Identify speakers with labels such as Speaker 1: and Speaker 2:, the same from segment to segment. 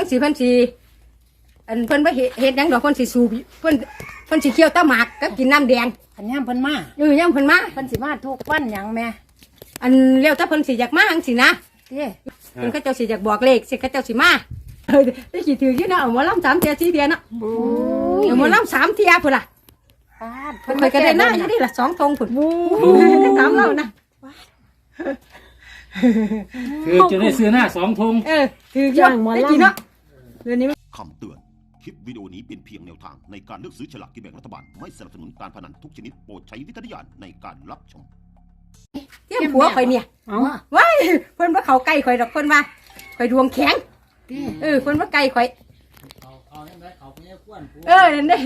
Speaker 1: งสีเพิ่นสีเพิ่นบ่เฮ็ดหยังดอกเพิ่นสิสูบเพิ่นสิเคี่ยวตะหมากกับกินน้ำแดง
Speaker 2: ขันย่ำเพิ่นมา
Speaker 1: ย่ำเพิ่นมา
Speaker 2: เพิ่นสิมาทุกวันหยังแม่
Speaker 1: แล้วถ้าเพิ่นสิอยากมาจังซี่นะ
Speaker 2: เด้
Speaker 1: เพิ่นเขาเจ้าสิอยากบอกเลขสิเขาเจ้าสิมาได้สิถืออยู่นะเอาหมอลำ3เที่ย4เที่ยเนาะเอาหมอลำ3เที่ยพุ่นล่ะเพิ่นก็ได้หน้าอยู่นี่ล่ะ2ธงพุ่นได้ถามเรานะ
Speaker 3: คือจะได้ซื้อหน้า2 ธง
Speaker 1: ถืออยู่ได้กี่เนาะเดี๋ยวนี้
Speaker 4: คำเตือน คลิปวิดีโอนี้เป็นเพียงแนวทางในการเลือกซื้อฉลากกินแบ่งรัฐบาล ไม่สนับสนุนการพนันทุกชนิดโปรดใช้วิจารณญาณในการรับชม
Speaker 1: เที่ยงผัวข่อยเนี่ยว้ายเพิ่นว่าเขาใกล้ข่อยดอกเพิ่นว่าข่อยดวงแข็งเพิ่นว่าใกล้ข่อยนั่นเด้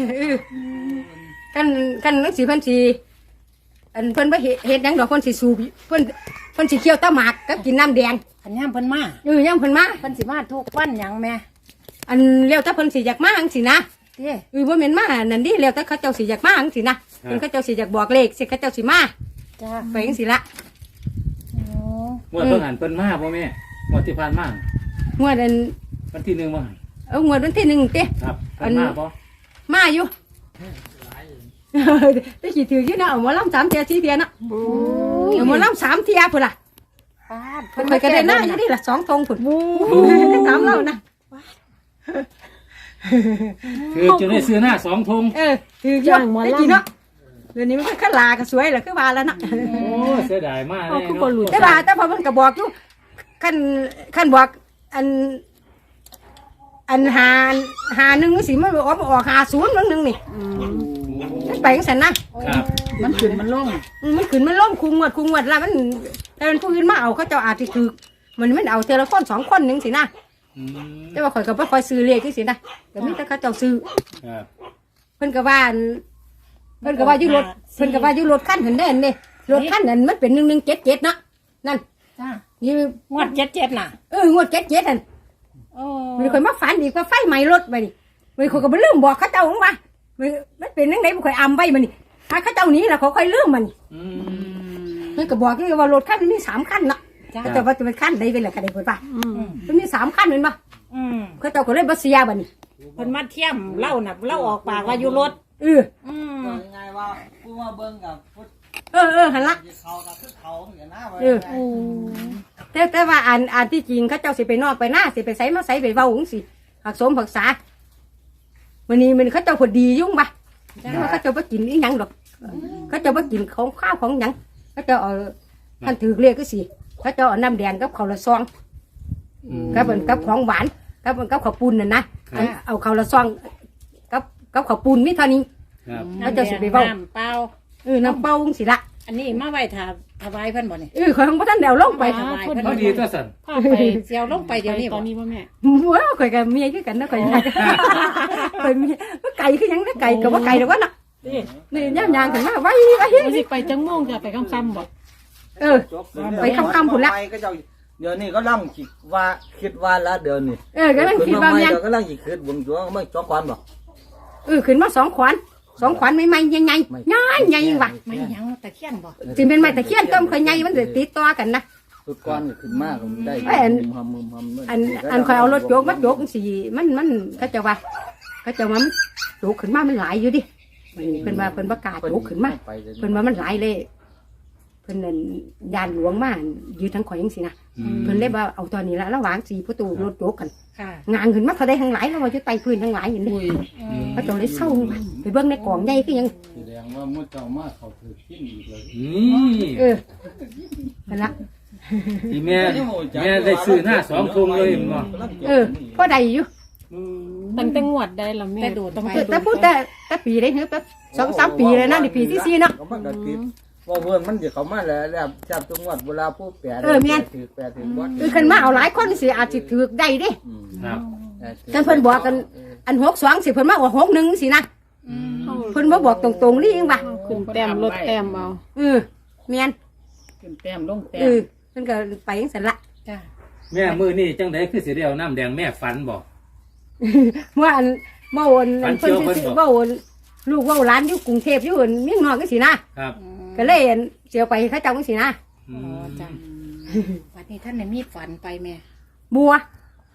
Speaker 1: กันนังสีเพิ่นสิเพิ่นว่าเฮ็ดหยังดอกเพิ่นสิสูบเพิ่นสิเคี่ยวตะหมากกับกินน้ำแดง
Speaker 2: ขันย่ำเพิ่นมา
Speaker 1: ย่ำเพิ่นมา
Speaker 2: เพิ่นสิมาทุกวันหยังแม่
Speaker 1: แล้วถ้าเพิ่นสิอยากมาจังซี่นะ
Speaker 2: เด้
Speaker 1: บ่แม่นมานั่นดิแล้วถ้าเขาเจ้าสิอยากมาจังซี่นะเพิ่นเขาเจ้าสิอยากบอกเลขสิเขาเจ้าสิมา
Speaker 2: จ้า
Speaker 1: ไปจังซี่ละ
Speaker 3: งวดเพิ่นหันเพิ่นมาบ่แม่งวดที่ผ่านมาง
Speaker 1: วด
Speaker 3: วันที่1บ่
Speaker 1: งวดวันที่1เต้
Speaker 3: ครับเพิ่นมาบ่
Speaker 1: มาอยู่ได้สิถืออยู่นะเอาหมอลำ3เที่ย4เที่ยเนาะเอาหมอลำ3เที่ยพุ่นล่ะเพิ่นก็ได้หน้าอยู่นี่ล่ะ2ธงพุ่นได้ถามเรานะ
Speaker 3: คือจะได้ซื้อหน้า2 ธง
Speaker 1: ถืออยู่ได้กี่เนาะเดี๋ยวนี้มันก็ขึ้นลาก็สวยแหละคือว่าแล้วนะ
Speaker 3: โอ้เสียดายมากเลยเนาะ
Speaker 1: แต่พอมันก็บอกอยู่ขั้นบอกหาหนึ่งสิมันออก50มันนึงนี่ไปจังซั่นนะครับ
Speaker 2: มันขึ้นมันลง
Speaker 1: คุงวดแล้วมันผู้อื่นมาเอาเขาเจ้าอาจสิถูกมันเอาเทอละคน2คนนึงสินะแต่ว่าข่อยก็บ่ค่อยซื้อเลขจังซี่นะก็มีแต่เขาเจ้าซื้อเพิ่นก็ว่าอยู่รถเพิ่นก็ว่าอยู่รถคันหันเด้นนี่รถคันนั้นมันเป็น1177เนาะนั่น
Speaker 2: จ้า
Speaker 1: นี่
Speaker 2: งวด77น่ะ
Speaker 1: งวด77นั่นมันค่อยมาฝันอีกว่าไฟไหม้รถไปนี่มันข่อยก็บ่ลืมบอกเขาเจ้าว่ามันเป็นจังได๋บ่ค่อยอำไว้มันนี่ถ้าเขาเจ้านี้ล่ะเขาค่อยลืมมันมันก็บอกว่ารถคันมันมี3คันเนาะแต่ว่าจะเป็นคันใดเป็นล่ะก็ได้เพิ่นว่ามันมี3คันแม่นบ่เขาเจ้าก็เลยบ่เสียบัดนี้
Speaker 2: เพิ่นมาเทียมเล่าน่ะเล่าออกปากว่าอยู่รถ
Speaker 5: ง่ายว่าผู้มาเบิ่งกับ
Speaker 1: หั่นล่ะ
Speaker 5: เขากับคือเขาเหมือนหน้า
Speaker 1: แต่ว่าอ่านที่จริงเขาเจ้าสิไปนอกไปหน้าสิไปไสมาไสไปเว้าจังซี่หักสมหักษามื้อนี้มันเขาเจ้าพอดียุ่งบ่แต่ว่าเขาเจ้าบ่กินอีหยังดอกเขาเจ้าบ่กินของข้าวของหยังเขาเจ้าเอาท่านถือเรียกก็สิเขาเจ้าเอาน้ำแดงกับข้าวละซองกับของหวานกับข้าวปุ้นน่ะนะเอาข้าวละซองกับข้าวปุ้นมีเท่านี้เขาเจ้าสิไปเว้า
Speaker 2: น้ำเปล่า
Speaker 1: น้ำเปล่าจังซี่ละ
Speaker 2: อันนี้มาไว้ถวายเพิ่นบ่นี่
Speaker 1: ข่อยบ่ทันได้เอาลงไป
Speaker 2: ถวายเพิ่น
Speaker 3: พอดีตัวสั่น
Speaker 2: พาไปเสียวลงไปเดี๋ยวนี้
Speaker 5: ตอนนี้บ่แม่
Speaker 1: ข่อยก็เมียคือกันนะข่อยข่อยมีไก่คือหยังนะไก่ก็บ่ไก่ดอกว่าน่ะนี่ย่างขึ้นมาไว้
Speaker 2: สิไปจังม่วงจะไปค่ำๆบ่
Speaker 1: ไปค่ำๆพุ่นละ
Speaker 5: เดี๋ยวนี้ก็ลังคิดว่าละเดี๋ยวนี้
Speaker 1: ก็ลังคิดว่า
Speaker 5: ยังก็ลังคิดบุญจัวไม่จอกควันบ่
Speaker 1: ขึ้นมา2 ขวานใหม่ๆใหญ่ๆว่ะ
Speaker 2: ไม่หยังตะเคียนบ่
Speaker 1: สิเป็นไม้ตะเคียนต้มข่อยใหญ่มันสิติดต่อกันนะ
Speaker 5: สุดก้อนขึ้นมากได้
Speaker 1: อันข่อยเอารถโจกมาโจกจังซี่มันเขาจะว่ามันโจกขึ้นมามันหลายอยู่ดิเพิ่นว่าเพิ่นบ่กล้าโจกขึ้นมาเพิ่นว่ามันหลายเลยเพิ่นนั่นยานหลวงมายืนทั้งข่อยจังซี่นะเพิ่นเลยว่าเอาตอนนี้ละระหว่าง4ประตูรถโจกกันงานขึ้นมาเท่าใดทั้งหลายแล้วว่าอยู่ใต้พื้นทั้งหลายอย่างนี้เขาจะเลยเศร้าไปเบิ่งในกล่องใหญ่คือหยัง
Speaker 5: แสดงว่ามื้อเจ้ามาเขาถือกินอีกเลย
Speaker 1: นั่นล่ะ
Speaker 3: ที่แม่ได้ซื้อหน้า2 ธงเลยบ่
Speaker 1: พอได้อยู่
Speaker 2: ตั้งแต่งวดได้ล่ะแม่
Speaker 1: แต่พูดแต่ปีได้ฮึแบบ2-3 ปีเลยนะนี่ปีที่4เนาะ
Speaker 5: ว่าเพื่อนมันจะเข้ามาแล้วจับจังหวัดเวลาผู้แปดถือวัด
Speaker 1: ขึ้นมาเอาหลายคนสิอาจสิถือได้ดิกันเพิ่นบอกกันอัน62สิเพิ่นมาว่า61สินะเพิ่นบ่บอกตรงๆนี่เองว่า
Speaker 2: ขึ้นแต้มลดแต้มเอา
Speaker 1: แม่น
Speaker 2: ขึ้นแต้มลงแต้ม
Speaker 1: เพิ่นก็ไปจังซั่นละ
Speaker 2: จ้า
Speaker 3: แม่มื้อนี้จังได๋คือสิได้เอาน้ำแดงแม่ฝันบ่
Speaker 1: เมื่อวันเพิ่นสิเว้าลูกเว้าหลานอยู่กรุงเทพอยู่เมียงนอกจังซี่นะครับก็เลยเสียวไปเขาเจ้าจังซี่นะ
Speaker 2: จ้าวันนี้ท่านได้มีฝันไปแม่
Speaker 1: บัว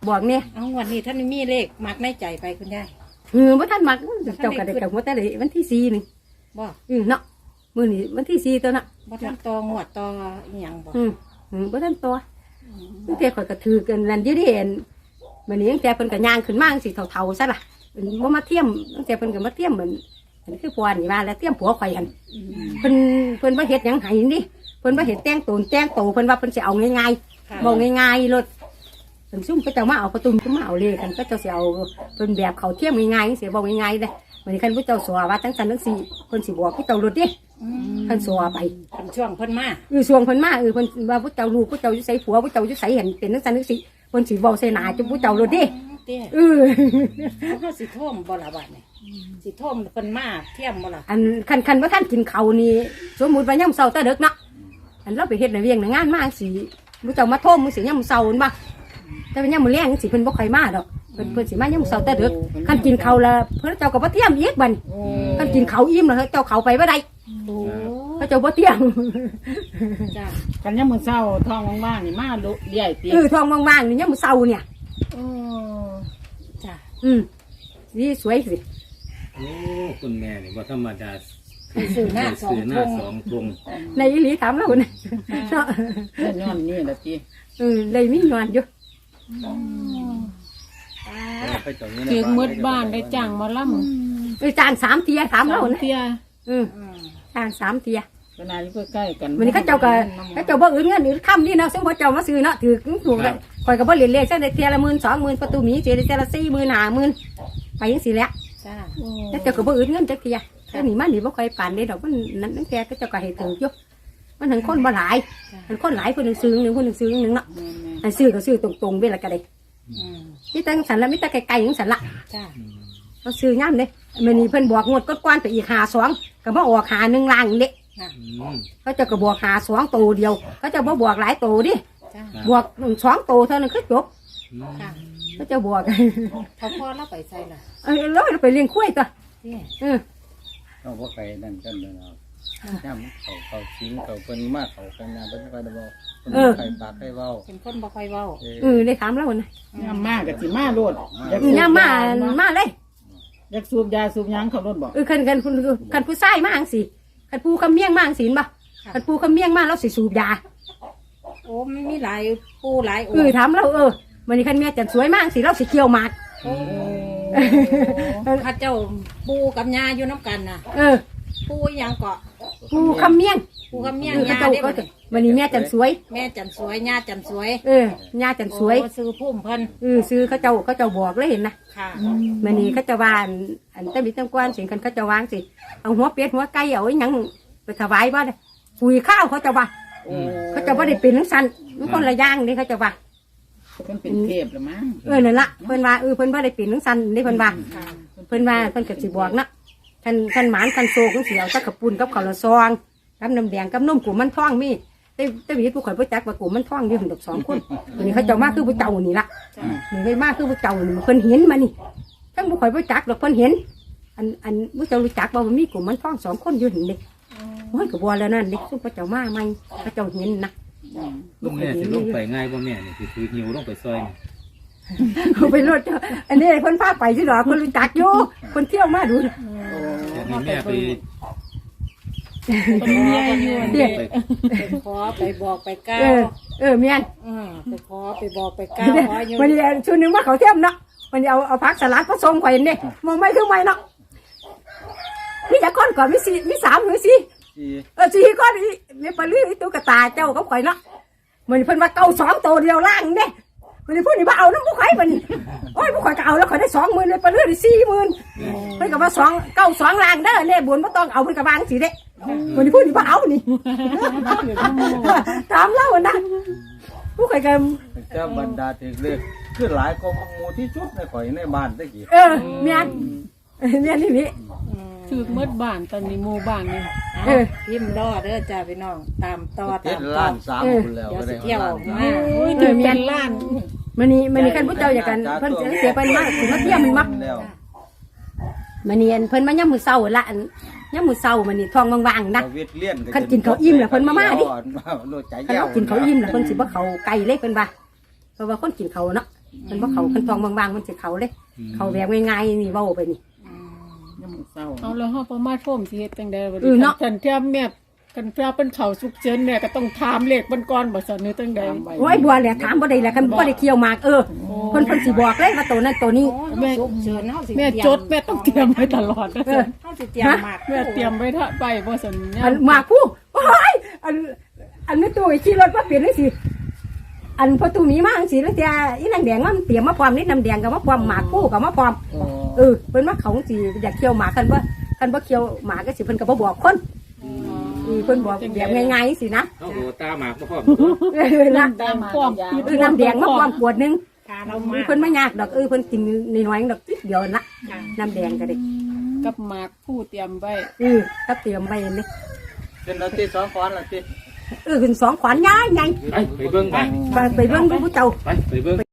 Speaker 1: บอกเนี่ย
Speaker 2: เอางวดนี้ท่านมีเลขมักในใจไปคุณยาย
Speaker 1: บ่ทันมักเจ้าก็ได้กับหัวแต่เลยวันที่4นี่
Speaker 2: บ่
Speaker 1: เนาะมื้อนี้วันที่4ตัวน่ะ
Speaker 2: บ่ทันตองวดตออีหยังบ่
Speaker 1: บ่ทันตัวตั้งแต่ข่อยก็ถือกันนั่นอยู่ดิเห็นมื้อนี้ตั้งแต่เพิ่นก็ย่างขึ้นมาจังซี่เฒ่าๆซะล่ะเพิ่นบ่มาเทียมตั้งแต่เพิ่นก็มาเทียมเหมือนคือพวนี่ว่าแล้วเทียมผัวข่อยหั่นเพิ่นบ่เฮ็ดหยังให้นี่เพิ่นบ่เฮ็ดแต่งโตเพิ่นว่าเพิ่นสิเอาง่ายๆบอกง่ายๆรถเพิ่นซุ่มก็จะมาเอาประตูขึ้นมาเอาเลยกันก็เจ้าสิเอาเพิ่นแบบเขาเทียมง่ายๆสิบอกง่ายๆเด้มื้อนี้คันผู้เจ้าสวว่าจังซั่นจังซี่เพิ่นสิบอกผู้เจ้ารถเด้คันสวไป
Speaker 2: เป็นช่วงเพิ่นมา
Speaker 1: ช่วงเพิ่นมาเพิ่นว่าผู้เจ้าลูกผู้เจ้าอยู่ไสผัวผู้เจ้าอยู่ไสเห็นเป็นจังซั่นจังซี่เพิ่นสิเว้าใส่หน้าจุผู้เจ้ารถเด้
Speaker 2: เตี้ย เขาสิท่วมบ่ละบาดนี่สิท่วมเพิ่นมาเทียมบ่ละ
Speaker 1: อันคันว่าท่านกินเขาวนี่สมมุติว่ายามเช้าแต่ดึกเนาะอันเราไปเฮ็ดในเวียงในงานมาสิผู้เจ้ามาโทมมื้อสิยามเช้านั่นบ่แต่ว่ายามมื้อแลงสิเพิ่นบ่ค่อยมาดอกเพิ่นสิมายามเช้าแต่ดึกคันกินข้าวแล้วเพิ่นเจ้าก็บ่เตรียมอีกบัดคันกินข้าวอิ่มแล้วเจ้าเข้าไปบ่ได้
Speaker 2: โอ้
Speaker 1: เขาเจ้าบ่เตรียม
Speaker 2: จ้า
Speaker 6: กันยังมือเศร้าท้องว่างๆนี่มาลุใหญ่เตีย
Speaker 1: ท้องว่างๆนี่ยามมื้อเช้าเนี่ย
Speaker 2: จ้า
Speaker 1: นี่สวยสิ
Speaker 3: โอ้คุณแม่นี่บ่ธรรมดา
Speaker 2: สื่อหน้าสอง
Speaker 3: ซื้อห
Speaker 2: ท
Speaker 3: น้าง สองทง
Speaker 1: ในอีหลีถามแล้วนะเนาะ
Speaker 6: เล่นย้อนนี่แหละตี
Speaker 1: เลยมีงานอยู่
Speaker 6: ถือมืดบ้านได้จ้างหมาล่
Speaker 1: จาน3เทียถาม
Speaker 6: ำ
Speaker 1: แล้ว
Speaker 6: สาม
Speaker 1: นะ
Speaker 6: เที่ย
Speaker 1: จาน3เทีย
Speaker 6: ขนาดอยู่ใกล้ๆกัน
Speaker 1: วันนี้เขาเจ้าก็บ่อื่นเงินอื่นค่ำนี่เนาะซึ่งพอเจ้ามาซื้อเนาะถือถูกเลยข่อยก็บ่เรียนเลขซะได้เทียละ10,000 20,000ประตูหมีเสียได้เทียละ40,000 50,000ไปจังซี่แหละ
Speaker 2: จ้า
Speaker 1: แต่เจ้าก็บ่อื่นเงินจักเทียแต่นี่มันนี่บ่ค่อยปานได้ดอกมันนั้นตั้งแต่ก็เจ้าก็ให้ถืออยู่มันถึงคนบ่หลายมันคนหลายเพิ่นนึงซื้อนึงเพิ่นนึงซื้อนึงเนาะอันซื้อก็ซื้อตรงๆเวลาก็ได้มีแต่สันละมีแต่ไกลๆจังซั่นละ
Speaker 2: จ้า
Speaker 1: เขาซื้อยามเด้มื้อนี้เพิ่นบอกงวดก่อนๆไปอีก52ก็บ่ออก51ล่างเด้ เขาจะก็บวก52ตัวเดียวเขาจะบ่บวกหลายตัวดิ
Speaker 2: จ้า
Speaker 1: บวก2ตัวเท่านั้นคือจบ
Speaker 2: ค่ะ
Speaker 1: เขาจะบวก
Speaker 2: เขาพ่อเราไปใส่ล่ะ
Speaker 1: แล้วไปเลี้ยงคุ้ยตัว
Speaker 2: เนี่ย
Speaker 5: เอาพวกไก่นั่นกันเลยนะย่ำเขาชิ้นเขาเป็นมากเขาเป็นงานเป็นไฟดาวไข่ปากไข่เบ้า
Speaker 2: เป็นคนบ่ค่อยเว้า
Speaker 1: ได้ถามแล้วนะ
Speaker 6: ยามมากกับสิมาโลดอยาก
Speaker 1: ย่ามาเลย
Speaker 6: อยากสูบยาสูบหยังเขาโลดบอก
Speaker 1: คันผู้ชายมาจังสิคันผู้คำเมียงมาจังสิบ่คันผู้คำเมียงมาแล้วสิสูบยา
Speaker 2: โอ้มันมีหลายปูหลายโอ้
Speaker 1: ถามแล้ววันนี้คันเมียจันสวยมากสิเราสิเกี่ยวหมาก
Speaker 2: ข้าเจ้าปูกับยาอยู่น้ำกันน่ะปูอีหยังเกาะ
Speaker 1: ผู้คำเมียง
Speaker 2: ปูกับเมียง
Speaker 1: เขา
Speaker 2: ยา
Speaker 1: เจ้า
Speaker 2: ได้
Speaker 1: ก็
Speaker 2: บ่
Speaker 1: วันนี้เมียจันสวย
Speaker 2: แม่จันสวยยาจันสวย
Speaker 1: ญาจันสวย
Speaker 2: โอ้ซื้อพุ่มเพิ่น
Speaker 1: ซื้อเขาเจ้าบอกเลยเห็นนะ
Speaker 2: ค่ะ
Speaker 1: มันนี่เขาจะวานอันแต่มีตั้งกวนสิ่งเขาจะวางสิเอาหัวเป็ดหัวไก่เอาไว้ยังไปถวายบ้านปุ๋ยข้าวเขาจะว่าเขาจะว่าได้เป็นทั้งสันมันคนละอย่างนี่เขาจะว่า
Speaker 6: เพิ่นเป็นเทพหรือมั้ง
Speaker 1: นั่นละเพิ่นว่าเพิ่นว่าได้เป็นทั้งสันนี่เพิ่นว่าเพิ่นว่าเพิ่นกับสิบอกนะท่านหมานท่านโซกเสียวตะกระปุ่นกับข้าวละซองกับน้ำแดงกับนมกูมันท่องมีแต่วิทย์ผู้ข่อยผู้จักว่ากูมันท่องอยู่ถึงดอก2 คนวันนี้เขาจะมาคือผู้เจ้านี่ละนี่เลยมาคือผู้เจ้านี่เพิ่นเห็นมานี่ทั้งผู้ข่อยผู้จักดอกเพิ่นเห็นอันผู้เจ้ารู้จักว่ามันมีกลุ่มมันท่อง2 คนอยู่ถึงเด็กโอ้ยก็บัวแล้วนั่นเด็กซุ่มพระเจ้ามาใหม่พระเจ้าเห็นนะ
Speaker 3: ลูกแม่สิลงไปง่ายบ่แม่นี่สิถือหิวลงไปซอยนี่
Speaker 1: เขาไปรถอันนี้คนพาไปที่หรอคนรู้จักอยู่คนเที่ยวมาดู
Speaker 3: แต่นี่แม่ไป
Speaker 6: เป็นเมียอยู่
Speaker 1: เด็ก
Speaker 2: ไปขอไปบอกไปก้าว
Speaker 1: เมียน
Speaker 2: ไปขอไปบอกไปก้าวขออยู่
Speaker 1: วันนี้ชุดนึงว่าเขาเที่ยวเนาะวันนี้เอาพักสลัดผสมไข่เนี่ยมองไม่คือไม่เนาะมีจากก้อนก่อนมี3 หรือ 4 4 ก้อนมีปลาลื้อตุ๊กตาเจ้ากับข่อยเนาะมันเพิ่นว่าเก่า2 ตัวเดียวล่างเนี่ยมันพูดนี่ว่าเอาน้ำผู้ไข่มันโอ้ยผู้ไข่ก็เอาแล้วข่อยได้20,000เลยปลาลื้อได้40,000เพิ่นก็ว่า2 ล่างเด้อเนี่ยบุญบ่ต้องเอาเพิ่นก็วางสิเด้มันพูดนี่ว่าเอานี่ถามเล่านะผู้ไข่ก็
Speaker 5: เจ้าบรรดาถึงเลือกคือหลายกองมูที่สุดในข่อยในบ้านตะกี้
Speaker 1: เมียนนี่
Speaker 6: ถือมืดบ้านตอนนี้หมู่บ้านนี่
Speaker 2: พิมพ์รอเด้อจ้าพี่น้องตามต่อ
Speaker 5: เจ็
Speaker 2: ตา
Speaker 5: ด
Speaker 2: มต่อ
Speaker 5: ล้าน3คนแล้ว
Speaker 2: เดี๋ยว
Speaker 5: ก็
Speaker 2: สิ
Speaker 5: ได้
Speaker 2: เที่ยวออกมา
Speaker 6: โอ้ยถือเป็นล้าน
Speaker 1: มันนี่คันผู้เจ้าอยากกันเพิ่นเสียไปมากถึงมาเที่ยมมันมัก
Speaker 5: แล้ว
Speaker 1: มันนี่เพิ่นมาย่ำมือเศร้าละย่ำมือเศร้ามันนี่ท้องว่างๆนะ
Speaker 5: เวทเลี้ยน
Speaker 1: คันกินข้าวอิ่มแล้วเพิ่นมาดิ
Speaker 5: โลดใจ
Speaker 1: คัน
Speaker 5: แย้ว
Speaker 1: เรากินเขาวอิ่มแล้วเพิ่นสิบ่เขาไก่เล็กเพิ่นว่าเพราะว่าคนกินเขาวเนาะมันบ่เขาคันทองบางๆมันสิเขาเลยเขาแบบง่ายๆนี่เว้าไปนี่
Speaker 6: ยังมื้อเช้าเอาแล้วเฮาประมาทโทมสิเฮ็ดจังได๋บ่
Speaker 1: เนาะ
Speaker 6: คันเทียมแม่กันเทียเป็นเขาสุกเจินแม่ก็ต้องถามเลขมันก่อนบ่ซั่นนี่จังได๋
Speaker 1: โอ้ยบัวแหละถามบ่ได้แหละคันบ่ได้เคี่ยวหมากเเพิ่นสิบอกเลยว่าตัวนั้นตัวนี้
Speaker 2: แม่ฉุกเฉินเฮาสิ
Speaker 6: แม่จดแม่ต้องเตรียมไว้ตลอดนะซั่น
Speaker 2: เฮาสิเตรียมหมาก
Speaker 6: แม่เตรียมไว้ถ้าไปบ่ซั่น
Speaker 1: อันหมากผู้โอ้ยอันไม่ตู้ขี่รถมาเปลี่ยนเลยสิอันพอตู้นี้มาจังซี่แล้วแต่อีนางแดงมันเตรียมมาพร้อมนี่น้ำแดงก็มาพร้อมหมากผู้ก็มาพร้อมเพิ่นมาเขาสิอยากเคี่ยวหมากคันบ่เคี่ยวหมากก็สิเพิ่นก็บ่บอกคนเพิ่นบอกแบบง่ายๆสินะ
Speaker 3: เอาหัวตาหมากบ่พร้อม
Speaker 1: นะ
Speaker 6: ตามความคิด
Speaker 1: น้ำแดงมาพร้อมขวดนึง
Speaker 2: ค่ะเรามา
Speaker 1: เพิ่นไม่ยากดอกเพิ่นกินน้อยๆดอกนิดเดียวละน้ำแดงก็ได้
Speaker 6: กับหมากผู้เตรียมไว้
Speaker 1: ถ้าเตรียมไว้นี่
Speaker 5: เป็นเราที่2 ขอนล่ะติ
Speaker 1: ขึ้น2 ขวานย้ายไง
Speaker 3: ไปเบิ่งไป
Speaker 1: ไปเบิ่งผู้เจ้า
Speaker 3: ไปเบิ่ง